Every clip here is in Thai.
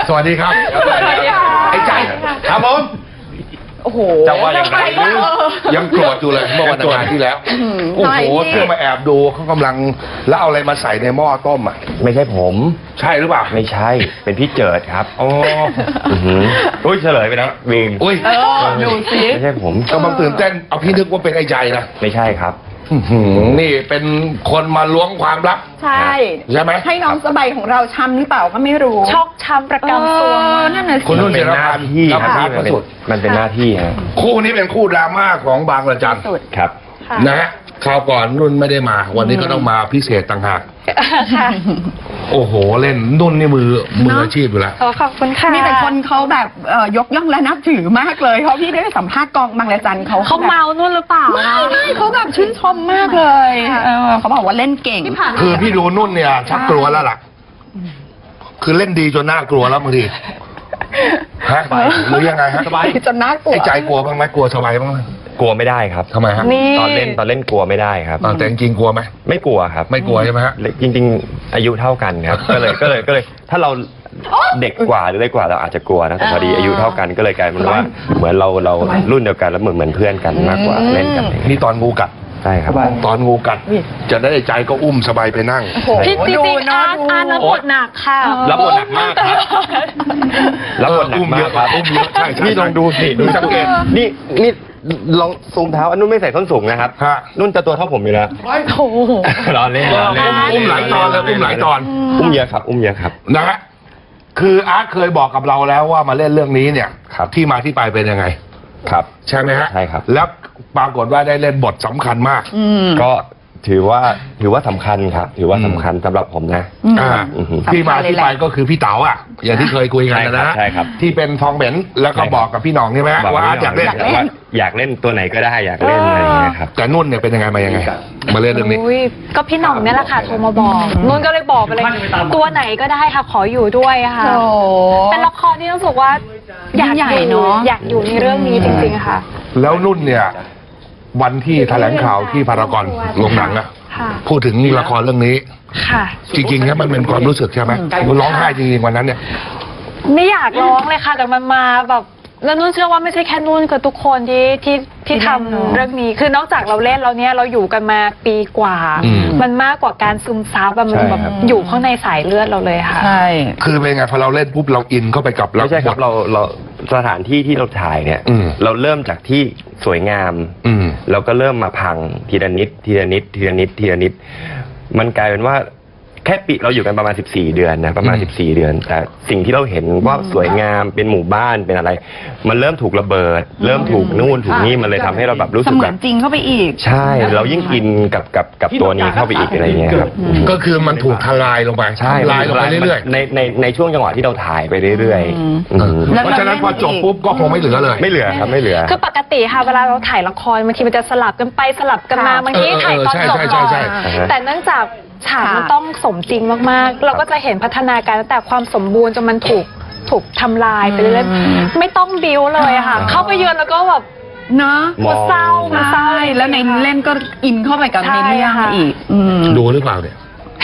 สวัสดีครับไอ้ใจครับผมโอ้โหจะว่าอย่างไรยังโกรธอยู่เลยเมื่อวันอาทิตย์ที่แล้วโอ้โหเพื่อมาแอบดูเขากำลังแล้วเอาอะไรมาใส่ในหม้อต้มอ่ะไม่ใช่ผมใช่หรือเปล่าไม่ใช่เป็นพี่เจิดครับอ๋ออุ้ยเฉลยไปแล้ววิงอุ้ยดูสิไม่ใช่ผมกำลังตื่นเต้นเอาพี่นึกว่าเป็นไอ้ใจนะไม่ใช่ครับนี่เป็นคนมาล้วงความลับใช่ใช่ไหมให้น้องสบายของเราช้ำหรือเปล่าก็ไม่รู้ชอกช้ำประกำตัวนั่นน่ะสิคุณนุ่นเป็นหน้าที่มันเป็นหน้าที่ฮะคู่นี้เป็นคู่ดราม่าของบางระจันครับนะฮะคราวก่อนนุ่นไม่ได้มาวันนี้ก็ต้องมาพิเศษต่างหากโอ้โหเล่นนุ่นนี่มืออาชีพอยู่แล้วขอบคุณค่ะมีแต่คนเขาแบบยกย่องและนับถือมากเลยเพราะพี่ได้สัมภาษณ์กองบางระจันเขาเมานุ่นหรือเปล่าไม่เขาแบบชื่นชมมากเลยเขาบอกว่าเล่นเก่งคือพี่ดูนุ่นเนี่ยชักกลัวแล้วล่ะคือเล่นดีจนน่ากลัวแล้วบางทีฮะหรือยังไงฮะสบายจนน่ากลัวไอ้ใจกลัวบ้างไหมกลัวสบายบ้างไหมกลัวไม่ได้ครับทำไมฮะตอนเล่นกลัวไม่ได้ครับแต่จริงกลัวไหมไม่กลัวครับไม่กลัวใช่ไหมฮะจริงๆอายุเท่ากันครับก็เลยถ้าเราเด็กกว่าหรือเล็กกว่าเราอาจจะกลัวนะแต่พอดีอายุเท่ากันก็เลยกลายเป็นว่าเหมือนเรารุ่นเดียวกันแล้วเหมือนเพื่อนกันมากกว่าเล่นกันนี่ตอนงูกัดใช่ครับตอนงูกัดจะได้ใจก็อุ้มสบายไปนั่งพี่จริงๆอาร์ตรับบทหนักค่ะรับบทหนักมากครับรับบทหนักมากครับอุ้มเยอะใช่นี่ลองดูสิดูสังเกตนี่ลองซูมเท้านุ่นไม่ใส่ส้นสูงนะครับนุ่นจะตัวเท่าผมอยู่แล้วโอ้โหรอเล่นอุ้มหลายตอนเลยอุ้มหลายตอนอุ้มเยอะครับนะฮะคืออาร์ตเคยบอกกับเราแล้วว่ามาเล่นเรื่องนี้เนี่ยที่มาที่ไปเป็นยังไงครับใช่ไหมฮะใช่ครับแล้วปรากฏว่าได้เล่นบทสำคัญมากก็ถือว่าสำคัญครับถือว่าสำคัญสำหรับผมนะที่มาที่ไปก็คือพี่เต๋าอ่ะอย่างที่เคยคุยกันนะใช่ครับที่เป็นทองเหม็นแล้วก็บอกกับพี่หน่องใช่ไหมว่าอยากเล่นตัวไหนก็ได้อยากเล่นอะไรอย่างเงี้ยครับแต่นุ่นเนี่ยเป็นยังไงมายังไงมาเล่นเรื่องนี้ก็พี่หน่องเนี่ยแหละค่ะโทรมาบอกนุ่นก็เลยบอกไปเลยตัวไหนก็ได้ค่ะขออยู่ด้วยค่ะเป็นละครที่รู้สึกว่าอยากอยู่ในเรื่องนี้จริงๆค่ะแล้วนุ่นเนี่ยวันที่แถลงข่าวที่พารากอนโรงหนังอะพูดถึงละครเรื่องนี้จริงๆเนี่ยมันเป็นความรู้สึกใช่ไหมมันร้องไห้จริงๆวันนั้นเนี่ยไม่อยากร้องเลยค่ะแต่มันมาแบบแล้วนุ่นเชื่อว่าไม่ใช่แค่นุ่นคือทุกคนที่ทำเรื่องนี้คือนอกจากเราเล่นแล้วเนี่ยเราอยู่กันมาปีกว่ามันมากกว่าการซึมซับมันแบบอยู่ข้างในสายเลือดเราเลยค่ะใช่คือเป็นไงพอเราเล่นปุ๊บเราอินเข้าไปกับไม่ใช่ครับเราสถานที่ที่เราถ่ายเนี่ยเราเริ่มจากที่สวยงามเราก็เริ่มมาพังทีละนิดมันกลายเป็นว่าแค่ปีเราอยู่กันประมาณ14 เดือนนะประมาณ14 เดือนแต่สิ่งที่เราเห็นว่าสวยงามเป็นหมู่บ้านเป็นอะไรมันเริ่มถูกระเบิดเริ่มถูกนู่นถูกนี่มันเลยทำให้เราแบบรู้สึกแบบจริงเข้าไปอีกใช่เรายิ่งอินกับตัวนี้เข้าไปอีกอะไรเงี้ยครับก็คือมันถูกทลายลงไปใช่ทลายลงไปเรื่อยๆในช่วงจังหวะที่เราถ่ายไปเรื่อยๆเพราะฉะนั้นพอจบปุ๊บก็คงไม่เหลือเลยไม่เหลือครับไม่เหลือคือปกติค่ะเวลาเราถ่ายละครบางทีมันจะสลับกันไปสลับกันมาบางทีถ่ายตอนจบก่อนแต่เนื่องจากฉากมันต้องสมจริงมากๆเราก็จะเห็นพัฒนาการตั้งแต่ความสมบูรณ์จนมันถูกทำลายไปเรื่อยๆไม่ต้องบิ้วเลยค่ะเข้าไปเยือนแล้วก็แบบเนาะมันเศร้าแล้วในเล่นก็อินเข้าไปกับในเรื่องอีกดูหรือเปล่าเนี่ย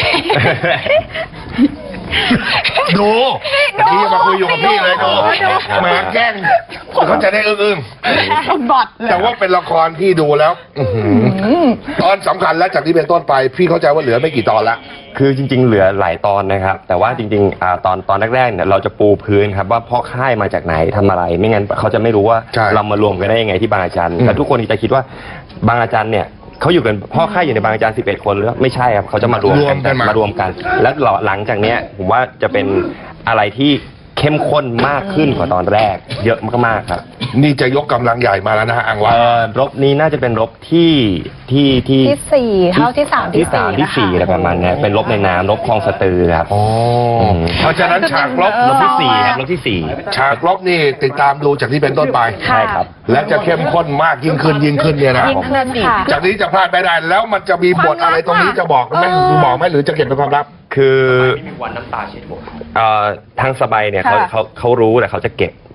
ดูพี่มาคุยอยู่กับพี่เลยดูมาแกล้งเขาจะได้อึ้งแต่ว่าเป็นละครที่ดูแล้วตอนสำคัญแล้วจากที่เป็นต้นไปพี่เข้าใจว่าเหลือไม่กี่ตอนละคือจริงๆเหลือหลายตอนนะครับแต่ว่าจริงๆตอนแรกๆเนี่ยเราจะปูพื้นครับว่าพ่อค่ายมาจากไหนทำอะไรไม่งั้นเขาจะไม่รู้ว่าเรามารวมกันได้ยังไงที่บางอาจารย์แต่ทุกคนจะคิดว่าบางอาจารย์เนี่ยเขาอยู่กันพ่อค่ายอยู่ในบางอาจารย์11 คนหรือไม่ใช่ครับเขาจะมารวมกันแล้วหลังจากเนี้ยผมว่าจะเป็นอะไรที่เข้มข้นมากขึ้นกว่าตอนแรกเยอะมากๆครับนี่จะยกกำลังใหญ่มาแล้วนะฮะอังวารบนี้น่าจะเป็นรบที่ 4เท่าที่3ที่ 4อะไรประมาณนี้เป็นรบในน้ำรบคลองสะตือครับเพราะฉะนั้นฉากรบที่4ครับรบที่4 ฉากรบนี่ติดตามดูจากที่เป็นต้นไปใช่ครับและจะเข้มข้นมากยิ่งขึ้นเนี่ยนะจากนี้จะพลาดไม่ได้แล้วมันจะมีบทอะไรตรงนี้จะบอกไหมหรือจะเก็บเป็นความลับคือวันน้ำตาเช็ดหมดทางสบายเนี่ยเขารู้แต่เขาจะเก็บ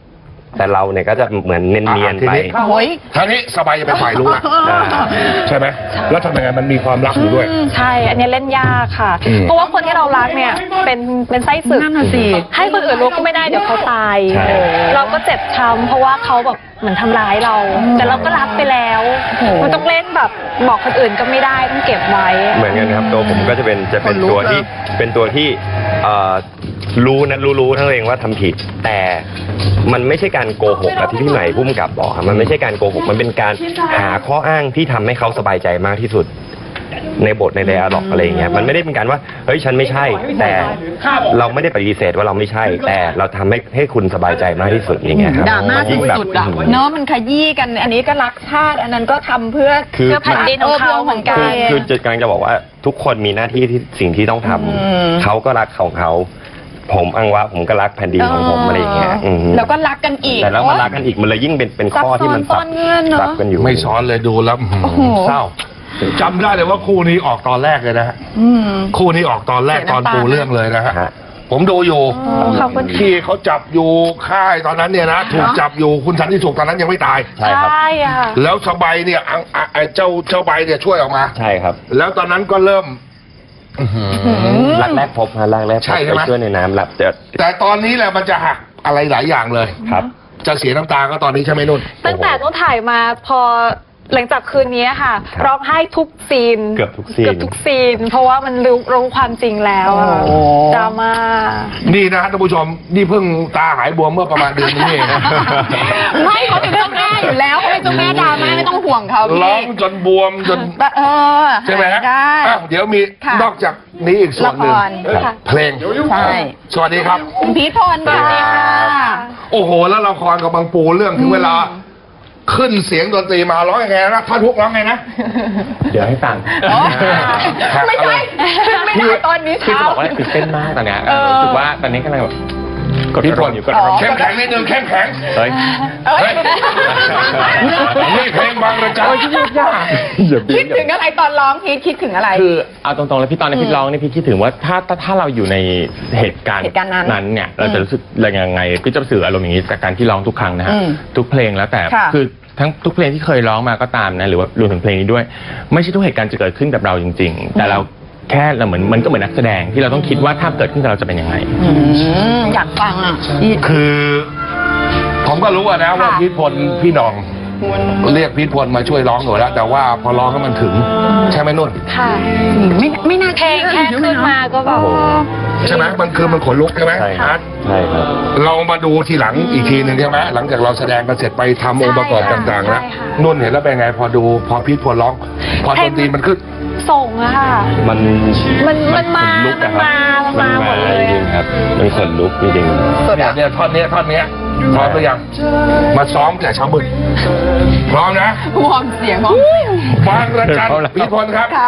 แต่เราเนี่ยก็จะเหมือนเนียนๆไปโอ้ยท่านี้สบายจะเป็นฝ่ายรู้อะ ใช่ไหมแล้วทำยังไงมันมีความรักอยู่ด้วยใช่ อันนี้เล่นยากค่ะ เพราะว่าคนที่เรารักเนี่ยเป็นไส้ศึกนั่นน่ะสิให้คนอื่นรู้ก็ไม่ได้เดี๋ยวเขาตายใช่เราก็เจ็บช้ำเพราะว่าเขาแบบเหมือนทำร้ายเรา แต่เราก็รักไปแล้วมันต้องเล่นแบบบอกคนอื่นก็ไม่ได้ต้องเก็บไว้เหมือนกันครับตัวผมก็จะเป็นตัวที่รู้ทั้งเองว่าทำผิด แต่มันไม่ใช่การโกหกแบบที่พี่ใหม่พุ่มกับบอกครับมันไม่ใช่การโกหกมันเป็นการหาข้ออ้างที่ทำให้เขาสบายใจมากที่สุดในบทในไดอะล็อกอะไรอย่างเงี้ยมันไม่ได้เป็นการว่าเฮ้ยฉันไม่ใช่แต่เราไม่ได้ปฏิเสธว่าเราไม่ใช่ แต่เราทำให้คุณสบายใจมากที่สุดอย่างเงี้ยครับดราม่าสุดๆอะเนาะมันขยี้กันอันนี้ก็รักชาติอันนั้นก็ทำเพื่อคือแผ่นดินของเขาเหมือนกันคือจะกำลังจะบอกว่าทุกคนมีหน้าที่ที่สิ่งที่ต้องทำเขาก็รักของเขาผมอังวะผมก็รักแผ่นดินของผมอะไรอย่างเงี้ยแล้วก็รักกันอีกแต่แล้วมารักกันอีกมันเลยยิ่งเป็นข้อที่มันซับซ้อนเงื่อนเนอะซับกันอยู่ไม่ซ้อนเลยดูแล้วโอ้โหเศร้าจำได้เลยว่าคู่นี้ออกตอนแรกเลยนะฮะคู่นี้ออกตอนแรกตอนปูเรื่องเลยนะฮะ ผมดูอยู่ขอบคุณที่เขาจับอยู่ค่ายตอนนั้นเนี่ยนะถูกจับอยู่คุณสันติสุขตอนนั้นยังไม่ตายใช่ครับใช่ค่ะแล้วสบายเนี่ยไอ้เจ้าใบเนี่ยช่วยออกมาใช่ครับแล้วตอนนั้นก็เริ่มรักแรกพบฮะรักแรกพบใช่ใช่ไหมไปช่วยในน้ำหลับเจอแต่ตอนนี้แหละมันจะหักอะไรหลายอย่างเลยครับจะเสียน้ำตาก็ตอนนี้ใช่ไหมนุ่นตั้งแต่ต้องถ่ายมาพอหลังจากคืนนี้ค่ะครับร้องไห้ทุกซีนเกือบทุกซีนเพราะว่ามันรู้ความจริงแล้วอะโอ้ดราม่านี่นะฮะท่านผู้ชมนี่เพิ่งตาหายบวมเมื่อประมาณเดือนนี้เองนะไม่เขาเป็นเจ้าแม่อยู่แล้วเขาเป็นเจ้าแม่ดราม่าไม่ต้องห่วงเขาพี่ร้องจนบวมจน ใช่ไหมฮะได้อ้าวเดี๋ยวมีค่ะนอกจากนี้อีกส่วนหนึ่งละครค่ะเพลงใช่สวัสดีครับคุณพีทพลค่ะโอ้โห แล้วละครกับบางปูเรื่องถึงเวลา ขึ้นเสียงดนตรีมาร้องยังไงนะท่านฮุกร้องไงนะเดี๋ยวให้ฟังอ๋อไม่ใช่ไม่ได้ตอนนี้คือจะเช้าบอกว่าตื่นเต้นมากตอนเนี้ยเออรู้สึกว่าตอนนี้กำลังแบบกดพี่พลอยู่กดอ๋อเข้มแข็งนิดนึงเข้มแข็งเฮ้ยเอ้ยนี่เพลงบางระจันคิดถึงอะไรตอนร้องพีทคิดถึงอะไรคือเอาตรงๆแล้วพี่ตอนนี้พี่ร้องนี่พี่คิดถึงว่าถ้าเราอยู่ในเหตุการณ์เหตุการณ์นั้นเนี่ยเราจะรู้สึกยังไงพี่จะสื่ออารมณ์อย่างนี้จากการที่ร้องทุกครั้งนะฮะอืมทุกเพลงแล้วแต่ค่ะคือทั้งทุกเพลงที่เคยร้องมาก็ตามนะหรือว่ารวมถึงเพลงนี้ด้วย ไม่ใช่ทุกเหตุการณ์จะเกิดขึ้นกับเราจริง ๆ แต่เราแค่เราเหมือนมันก็เหมือนนักแสดงที่เราต้องคิดว่าถ้าเกิดขึ้นกับเราจะเป็นยังไงอยากฟังอ่ะคือ ผมก็รู้อะนะว่าค่ะพีทพลพี่หน้อง เรียกพีทพลมาช่วยร้องหนูแล้ว แต่ว่าพอร้องให้มันถึง ใช่ไหมนุ่นค่ะไม่น่าเพลงแค่ขึ้นมาก็แบบใช่ไหมมันคือมันขนลุกใช่ไหมใช่ครับ ใช่ครับเรามาดูทีหลังอีกทีหนึ่งใช่ไหมหลังจากเราแสดงกันเสร็จไปทำองค์ประกอบต่างๆแล้วใช่ค่ะนุ่นเห็นแล้วเป็นไง พอพีทพลร้อง พอดนตรีมันขึ้นส่งอะค่ะมันมันมาขนลุกอะครับมันมาหมดเลยจริงๆครับมันขนลุกจริงๆเนี่ยท่อนเนี้ยพร้อมหรือยังมาซ้อมแต่เช้ามืดพร้อมนะวอร์มเสียงวอร์มเสียงบางระจันพีทพลครับค่ะ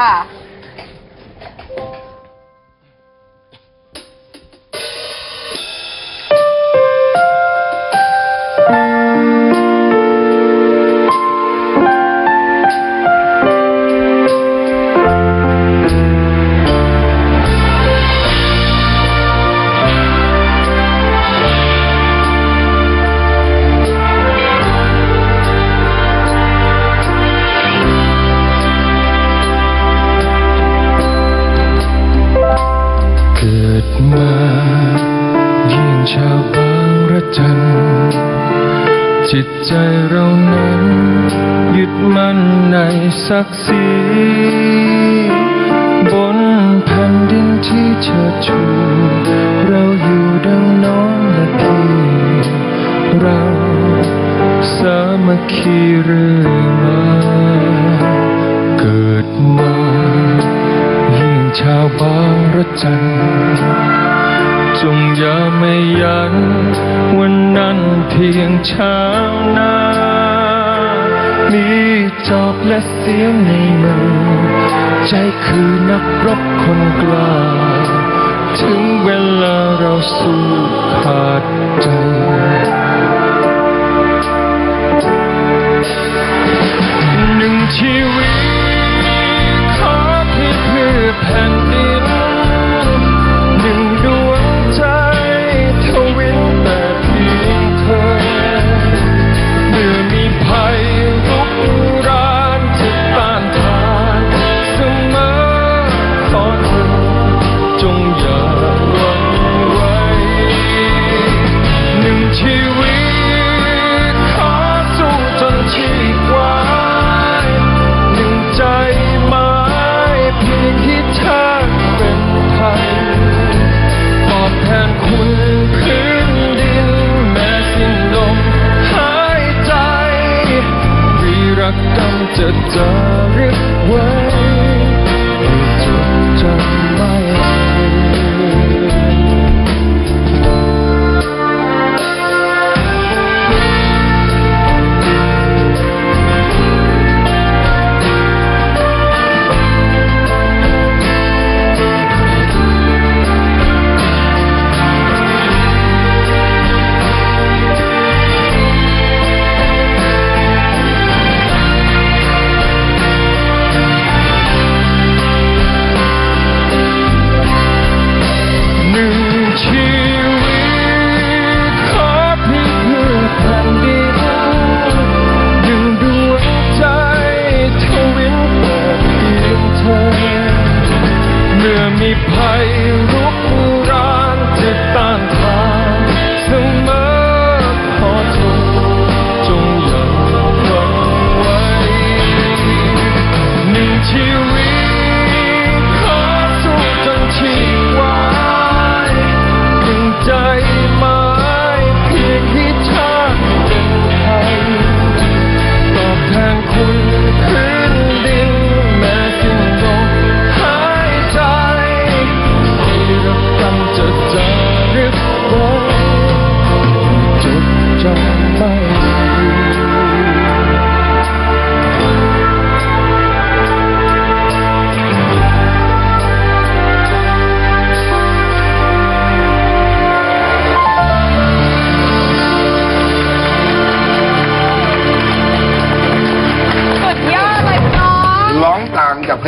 เกิดมาเยี่ยงชาวบางระจัน จิตใจเรานั้นยึดมั่นในศักดิ์ศรีบนแผ่นดินที่เชิดชู เราอยู่ดังน้องและพี่เราสามัคคีเรื่อยมาเกิดมายิ่งชาวบางระจัน จงอย่าไม่ยันวันนั้นเพียงเช้าหน้า มีจอบและเสียงในมือ ใจคือนักรบคนกล้า ถึงเวลาเราสู้ขาดใจ หนึ่งชีวิตขอเพื่อแผ่นดิน หนึ่งดวงใจทวินแต่เพียงเธอ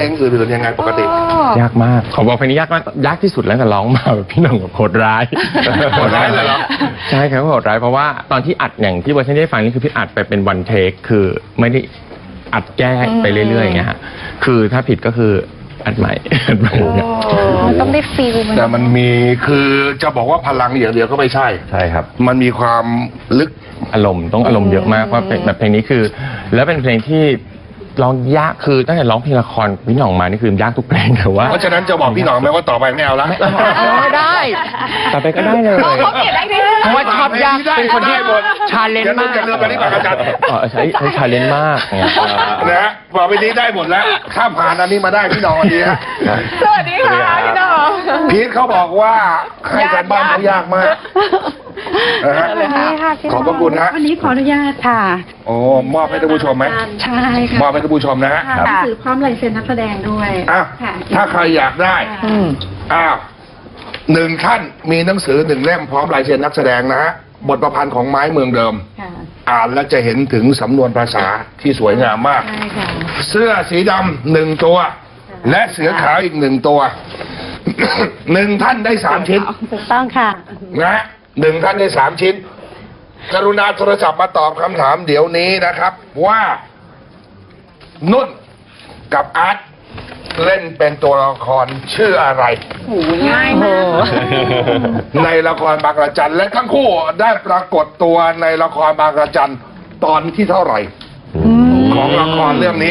งอื่นๆยังไงปกติยากมากขอบอกเพลงนี้ยากมากยากที่สุดแล้วแต่ร้องมาแบบพี่หน่องแบบโหดร้ายโหดร้ายเลยเหรอใช่ครับโหดร้ายเพราะว่าตอนที่อัดอย่างที่เวอร์ชันที่ได้ฟังนี่คือพี่อัดไปเป็นวันเทคคือไม่ได้อัดแก้ไปเรื่อยๆอย่างเงี้ยฮะคือถ้าผิดก็คืออัดใหม่มันต้องได้ฟีลมันแต่มันมีคือจะบอกว่าพลังอย่างเดียวก็ไม่ใช่ใช่ครับมันมีความลึกอารมณ์ต้องอารมณ์เยอะมากว่าเป็นแบบเพลงนี้คือ แล้วเป็นเพลงที่ร้องยากคือตั้งแต่ร้องเพลงละครพี่หน่องมานี่คือยากทุกเพลงแต่ว่าเพราะฉะนั้นจะบอกพี่หน่องไหมว่าต่อไปไม่เอาละได้ต่อไปก็ได้เลยเขาเขียนได้ด้วยเพราะว่าชอบยากเป็นคนที่ได้หมดชาเลนจ์มากอย่าลืมไปที่ปากอาจารย์ใช้ชาเลนจ์มากเนี่ยนะฮะต่อไปนี้ได้หมดแล้วข้ามผ่านอันนี้มาได้พี่หน่องอันนี้ฮะสวัสดีค่ะพี่น้องพีทเขาบอกว่าให้การบ้านเขายากมากนะฮะเลยค่ะขอบพระคุณฮะวันนี้ขออนุญาตค่ะโอ้มอบให้ท่านผู้ชมไหมใช่ค่ะมอบให้ท่านผู้ชมนะฮะหนังสือพร้อมลายเซ็นนักแสดงด้วยอ้าวค่ะถ้าใครอยากได้อ้าว1 ท่านมีหนังสือ1 เล่มพร้อมลายเซ็นนักแสดงนะฮะบทประพันธ์ของไม้เมืองเดิมค่ะอ่านแล้วจะเห็นถึงสำนวนภาษาที่สวยงามมากใช่ค่ะเสื้อสีดำ1 ตัว และเสือขาวอีก1 ตัว 1 ท่านได้3 ชิ้นถูกต้องค่ะนะฮะ1 ท่านได้3 ชิ้น กรุณาโทรศัพท์มาตอบคำถามเดี๋ยวนี้นะครับ ว่านุ่นกับอาร์ตเล่นเป็นตัวละครชื่ออะไรง่ายมากในละครบางระจันและทั้งคู่ได้ปรากฏตัวในละครบางระจันตอนที่เท่าไหร่ ของละครเรื่องนี้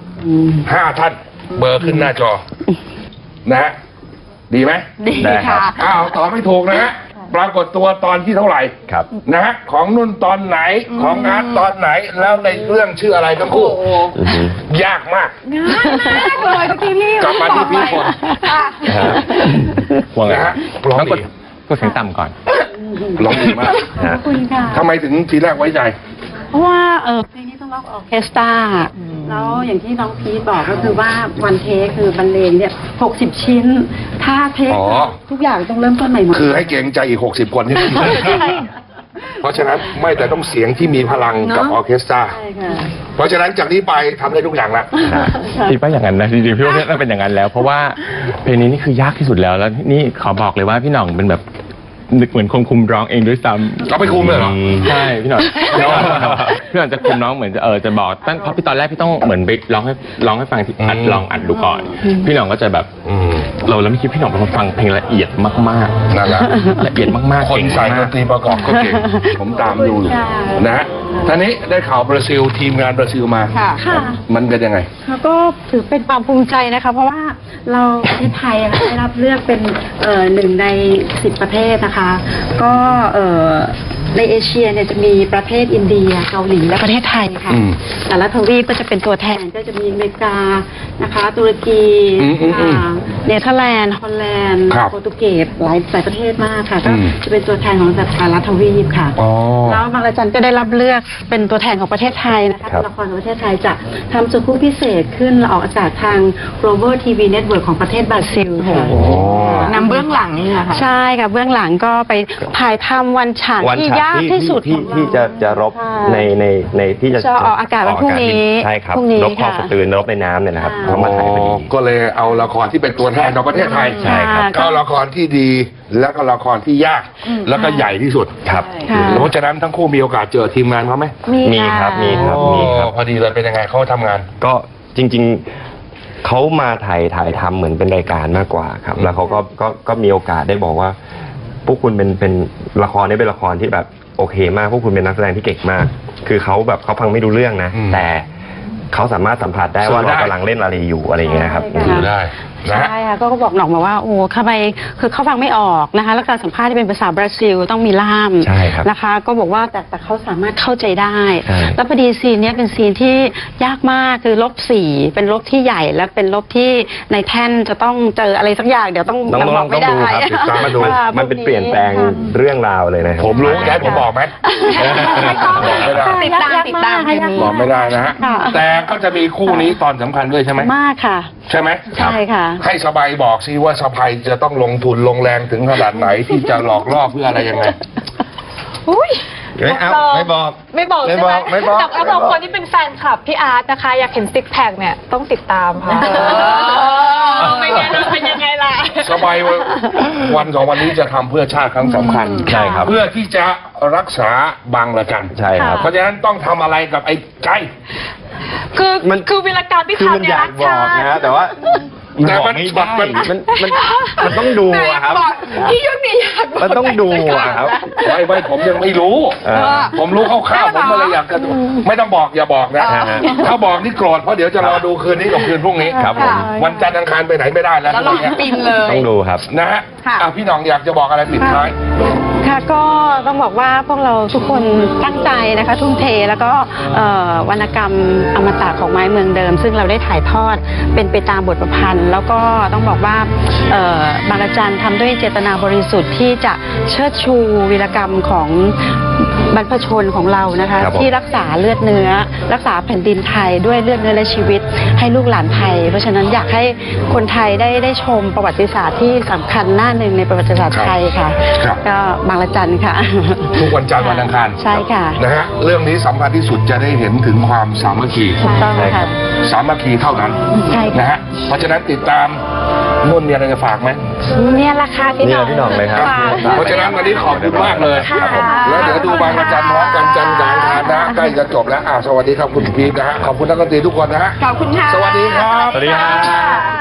5 ท่านเบอร์ขึ้นหน้าจอ นะฮะดีไหมดีได้ครัค่ะบอ้าวตอบไม่ถูกนะฮะปรากฏตัวตอนที่เท่าไหร่ครับนะฮะของนุ่นตอนไหนของอาร์ตตอนไหนแล้วในเรื่องชื่ออะไรทั้งคู่อือฮึยากมากง่ายมากเลยทุกทีรีบกลับมาที่พี่ฝนค่ะว่าไงนะฮะร้องต้องกดดีกดเสียงต่ำก่อนร้องดีมากขอบคุณค่ะทำไมถึงทีแรกไว้ใจเพราะว่าเพลงนี้ต้องร้องออร์เคสตราแล้วอย่างที่น้องพีทบอกก็คือว่าวันเทคคือบรรเลงเนี่ย60 ชิ้น ถ้าเทคอ๋อทุกอย่างต้องเริ่มต้นใหม่หมดคือให้เกรงใจอีก60 คนที่ไม่มีเพราะฉะนั้นไม่แต่ต้องเสียงที่มีพลังกับออร์เคสตราใช่ค่ะเพราะฉะนั้นจากนี้ไปทำได้ทุกอย่างละคิดว่าอย่างนั้นนะจริงๆพี่ว่าน่าเป็นอย่างนั้นแล้ว เพราะว่าเพลงนี้นี่คือยากที่สุดแล้วแล้วนี่ขอบอกเลยว่าพี่หน่องเป็นแบบนึกเหมือนคนคุมร้องเองด้วยซ้ำเอาไปคุมเลยเหรอใช่พี่หน่องพี่หน่องจะคุมร้องเหมือนจะบอกตั้งเพราะพี่ตอนแรกพี่ต้องเหมือนไปร้องให้ฟังที่อัดลองอัดดูก่อน พี่หน่องก็จะแบบเราแล้วไม่คิดพี่หน่องเป็นคนฟังเพลงละเอียดมากๆนั่นแหละละเอียดมากๆคนเก่งใส่ดมากนตรีประกอบก็เก่ง ผมตามดูอยู่ค่ะนะฮะท่านี้ได้ข่าวบราซิลทีมงานบราซิลมาค่ะค่ะมันเป็นยังไงแล้วก็ถือเป็นความภูมิใจนะคะ เพราะว่าเราประเทศไทยอะได้รับเลือกเป็น1 ใน 10 ประเทศนะคะ ก็ในเอเชียเนี่ยจะมีประเทศอินเดียเกาหลีและประเทศไทยค่ะอืมแต่ละทวีปก็จะเป็นตัวแทนก็จะมีอเมริกานะคะตุรกี เนเธอร์แลนด์ฮอลแลนด์ครับโปรตุเกสหลายประเทศมากค่ะก็อืมจะเป็นตัวแทนของแต่ละทวีปค่ะอ๋อแล้วบางระจันก็ได้รับเลือกเป็นตัวแทนของประเทศไทยนะคะครับละครของประเทศไทยจะทำสุขุมพิเศษขึ้นออกอากาศทาง Global TV Network ของประเทศบราซิลค่ะนำเบื้องหลังนี่แหละค่ะใช่ค่ะเบื้องหลังก็ไปถ่ายทำวันฉากวันที่ฉากยากที่สุดที่จะรบใช่ในที่จะจะออกอากาศวันพรุ่งนี้ใช่ครับพรุ่งนี้รบคลองค่ะสตืนรบในน้ำเนี่ยนะครับค่ะเขามาถ่ายพอดีก็เลยเอาละครที่เป็นตัวแทนของประเทศไทยใช่ครับก็ละครที่ดีแล้วก็ละครที่ยากแล้วก็ใหญ่ที่สุดครับค่ะเพราะฉะนั้นทั้งคู่มีโอกาสเจอทีมงานเขาไหมมีครับมีครับโอ้พอดีเลยเป็นยังไงเขาทำงานก็จริงๆเขามาถ่ายทำเหมือนเป็นรายการมากกว่าครับ แล้วเขาก็มีโอกาสได้บอกว่า พวกคุณเป็นละครนี้เป็นละครที่แบบโอเคมากพวกคุณเป็นนักแสดงที่เก่งมาก คือเขาแบบเขาฟังไม่รู้เรื่องนะอืมแต่เขาสามารถสัมผัสได้ว่าสื่อได้เรากำลังเล่นอะไรอยู่อะไรอย่างเงี้ยครับใช่ดูได้นะฮะใช่ค่ะก็บอกหน่องมาว่าโอ้ทำไมคือเขาฟังไม่ออกนะคะ แล้วการสัมภาษณ์ที่เป็นภาษาบราซิลต้องมีล่ามใช่ครับนะคะ ก็บอกว่าแต่เขาสามารถเข้าใจได้ใช่แล้วพอดีซีนเนี้ยเป็นซีนที่ยากมากคือลบ 4เป็นลบที่ใหญ่และเป็นลบที่ในแท่นจะต้องเจออะไรสักอย่างเดี๋ยวต้องต้องบอกไม่ได้ดูครับติดตามมาดูค่ะมันเป็นเปลี่ยนแปลงค่ะเรื่องราวเลยนะครับผมรู้จะให้ผมบอกไหมไม่ต้องบอกไม่ได้ติดตามยกติดตามกค่ะคืนนี้บอกไม่ได้นะฮะค่ะแต่ก็จะมีคู่นี้ตอนสำคัญด้วยใช่ไหมมากค่ะใช่ไหมใช่ค่ะให้สบายบอกสิว่าสบายจะต้องลงทุนลงแรงถึงขนาดไหนที่จะหลอกล่อเพื่ออะไรยังไงอุ้ยไม่เอาไม่บอกไม่บอกไม่ใช่บไหมอกไม่บอกแต่สำหรับคนที่เป็นแฟนคลับพี่อาร์ตนะคะ อยากเห็นซิกแพคเนี่ยต้องติดตามค่ะไม่งั้นจะเป็นยังไงล่ะสบายวันสองวันนี้จะทำเพื่อชาติครั้งสำคัญใช่ครับเพื่อที่จะรักษาบางระจันใช่ครับเพราะฉะนั้นต้องทำอะไรกับไอ้ใจคือวีรกรรมที่คือมันทำเนี่อย ยารักกบอชาก ตินะแต่ว่าแต่มันบอกไม่ได้ มันต้องดูอะครับพี่ยุทธนี่อยากบอกมันต้องดูอะครับไม่ผมยังไม่รู้ ผมรู้คร่าวๆผมก็เลยอยากจะดูไม่ต้องบอกอย่าบอกนะ ถ้าบอกนี่โกรธเพราะเดี๋ยวจะรอดูคืนนี้กับคืนพรุ่งนี้ครับผมวันจันทร์อังคารไปไหนไม่ได้แล้วแล้วเราปินเลยต้องดูครับนะฮะค่ะพี่หน้องอยากจะบอกอะไรปิดท้ายค่ะก็ต้องบอกว่าพวกเราทุกคนตั้งใจนะคะทุ่มเทแล้วก็วรรณกรรมอมตะของไม้เมืองเดิม ซึ่งเราได้ถ่ายทอดเป็นไปตามบทประพันธ์ แล้วก็ต้องบอกว่าบางระจันทำด้วยเจตนาบริสุทธิ์ที่จะเชิดชูวีรกรรมของบรรพชนของเรานะคะครับผมที่รักษาเลือดเนื้อ รักษาแผ่นดินไทยด้วยเลือดเนื้อและชีวิตให้ลูกหลานไทย เพราะฉะนั้นอยากให้คนไทยได้ชมประวัติศาสตร์ที่สำคัญหน้าหนึ่งในประวัติศาสตร์ไทยค่ะครับก็บางระจันค่ะทุกวันจันทร์วันอังคารใช่ค่ะนะฮะเรื่องนี้สำคัญที่สุดจะได้เห็นถึงความสามัคคีถูกต้องค่ะสามัคคีเท่านั้นใช่ค่ะนะฮะเพราะฉะนั้นติดตามนุ่นมีอะไรจะฝากไหมเนี่ยละค่ะพี่นี่น้แหองละพี่หน่องเลยครับเพราะฉะนั้นวันนี้ขอบคุณมากเลยค่ะแล้วเดี๋ยวดูบางระจันพร้อมกันจันทร์กลางทานนะฮะใกล้จะจบแล้วสวัสดีครับคุณพีทนะฮะขอบคุณนักดนตรีทุกคนนะฮะขอบคุณค่ะสวัสดีครับสวัสดีครับ